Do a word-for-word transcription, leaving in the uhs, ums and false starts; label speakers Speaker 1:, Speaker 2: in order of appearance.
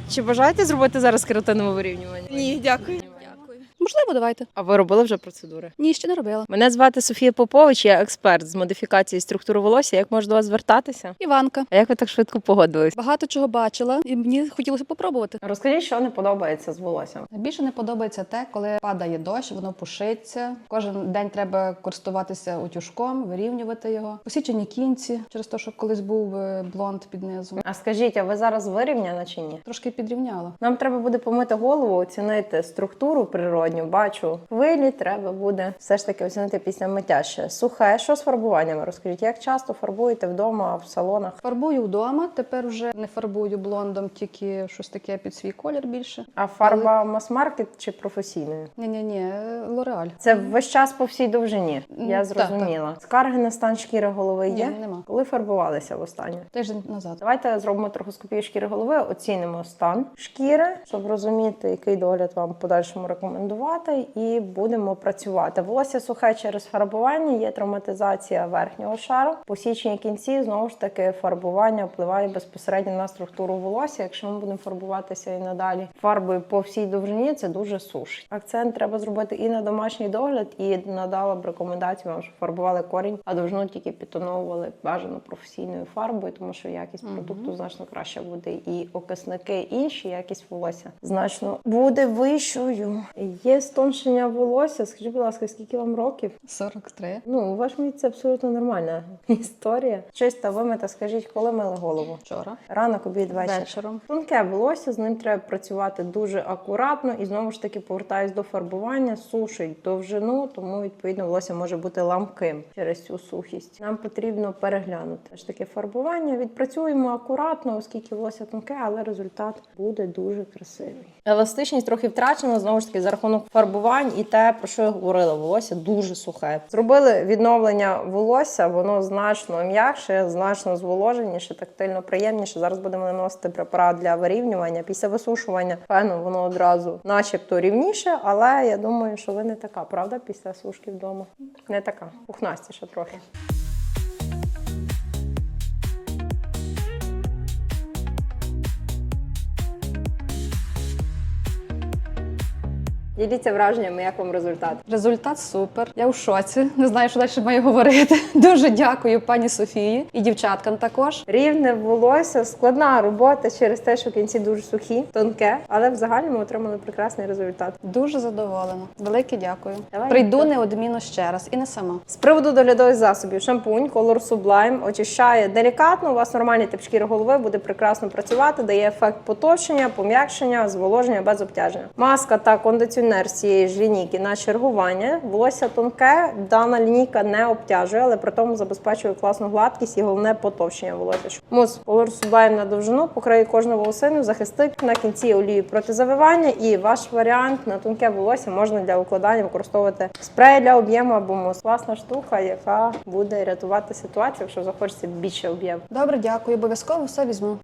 Speaker 1: Чи бажаєте зробити зараз кератинове вирівнювання?
Speaker 2: Ні, дякую.
Speaker 3: Можливо, давайте.
Speaker 1: А ви робили вже процедури?
Speaker 3: Ні, ще не робила.
Speaker 1: Мене звати Софія Попович, я експерт з модифікації структури волосся. Як можу до вас звертатися?
Speaker 3: Іванка.
Speaker 1: А як ви так швидко погодились?
Speaker 3: Багато чого бачила, і мені хотілося попробувати.
Speaker 1: Розкажіть, що не подобається з волоссям.
Speaker 4: Найбільше не подобається те, коли падає дощ, воно пушиться. Кожен день треба користуватися утюжком, вирівнювати його. Посічені кінці, через те, що колись був е, блонд під низом.
Speaker 1: А скажіть, а ви зараз вирівняна чи ні?
Speaker 4: Трошки підрівняла.
Speaker 1: Нам треба буде помити голову, оцінити структуру природню. Бачу, хвилі треба буде все ж таки оцінити після миття ще. Сухе, що з фарбуваннями? Розкажіть, як часто фарбуєте вдома, в салонах?
Speaker 4: Фарбую вдома, тепер вже не фарбую блондом, тільки щось таке під свій колір більше.
Speaker 1: А фарба мас-маркет чи професійною?
Speaker 4: Ні-ні-ні, Лореаль.
Speaker 1: Це весь час по всій довжині, я
Speaker 4: Так,
Speaker 1: зрозуміла. Скарги на стан шкіри голови є?
Speaker 4: Ні, нема.
Speaker 1: Коли фарбувалися востаннє?
Speaker 4: Тиждень назад.
Speaker 1: Давайте зробимо трохоскопію шкіри голови, оцінимо стан шкіри, щоб розуміти, який догляд вам в подальшому рекомендувати, і будемо працювати. Волосся сухе через фарбування, є травматизація верхнього шару. Посічені кінці, знову ж таки, фарбування впливає безпосередньо на структуру волосся. Якщо ми будемо фарбуватися і надалі фарбою по всій довжині, це дуже сушить. Акцент треба зробити і на домашній догляд, і надала б рекомендацію вам, щоб фарбували корінь, а довжину тільки підтоновували бажано професійною фарбою, тому що якість
Speaker 4: Мгм.
Speaker 1: продукту значно краще буде. І окисники інші, якість волосся значно буде вищою. Є стоншення волосся. Скажіть, будь ласка, скільки вам років?
Speaker 4: сорок три.
Speaker 1: Ну, у вашому віці це абсолютно нормальна історія. Чиста вимита, скажіть, коли мили голову?
Speaker 4: Вчора.
Speaker 1: Ранок, обід, вечір.
Speaker 4: Вечором.
Speaker 1: Тонке волосся, з ним треба працювати дуже акуратно і знову ж таки повертаюсь до фарбування, сушить довжину, тому відповідно волосся може бути ламким через цю сухість. Нам потрібно переглянути ж таке фарбування. Відпрацюємо акуратно, оскільки волосся тонке, але результат буде дуже красивий. Еластичність трохи втрачена, знову ж таки, за рахунок фарбувань і те, про що я говорила, волосся дуже сухе. Зробили відновлення волосся, воно значно м'якше, значно зволоженіше, тактильно приємніше. Зараз будемо наносити препарат для вирівнювання. Після висушування фену воно одразу начебто рівніше, але я думаю, що ви не така, правда, після сушки вдома? Не така, пухнастіша трохи. Діліться враженнями, як вам результат?
Speaker 4: Результат супер. Я в шоці. Не знаю, що далі маю говорити. Дуже дякую пані Софії і дівчаткам також.
Speaker 1: Рівне волосся, складна робота через те, що кінці дуже сухі, тонке, але в загальному отримали прекрасний результат.
Speaker 4: Дуже задоволена. Велике дякую.
Speaker 1: Давай.
Speaker 4: Прийду неодмінно ще раз і не сама.
Speaker 1: З приводу доглядових засобів, шампунь Color Sublime очищає делікатно, у вас нормальний тип шкіри голови, буде прекрасно працювати, дає ефект потовщення, пом'якшення, зволоження без обтяження. Маска та кондиціонер з цієї ж лінійки на чергування. Волосся тонке, дана лінійка не обтяжує, але при тому забезпечує класну гладкість і головне потовщення волосся. Мус Color Sublime на довжину покриє кожну волосину, захистить на кінці олію проти завивання, і ваш варіант на тонке волосся можна для укладання використовувати спрей для об'єму або мус. Класна штука, яка буде рятувати ситуацію, якщо захочеться більше об'єму.
Speaker 4: Добре, дякую. Обов'язково все візьму.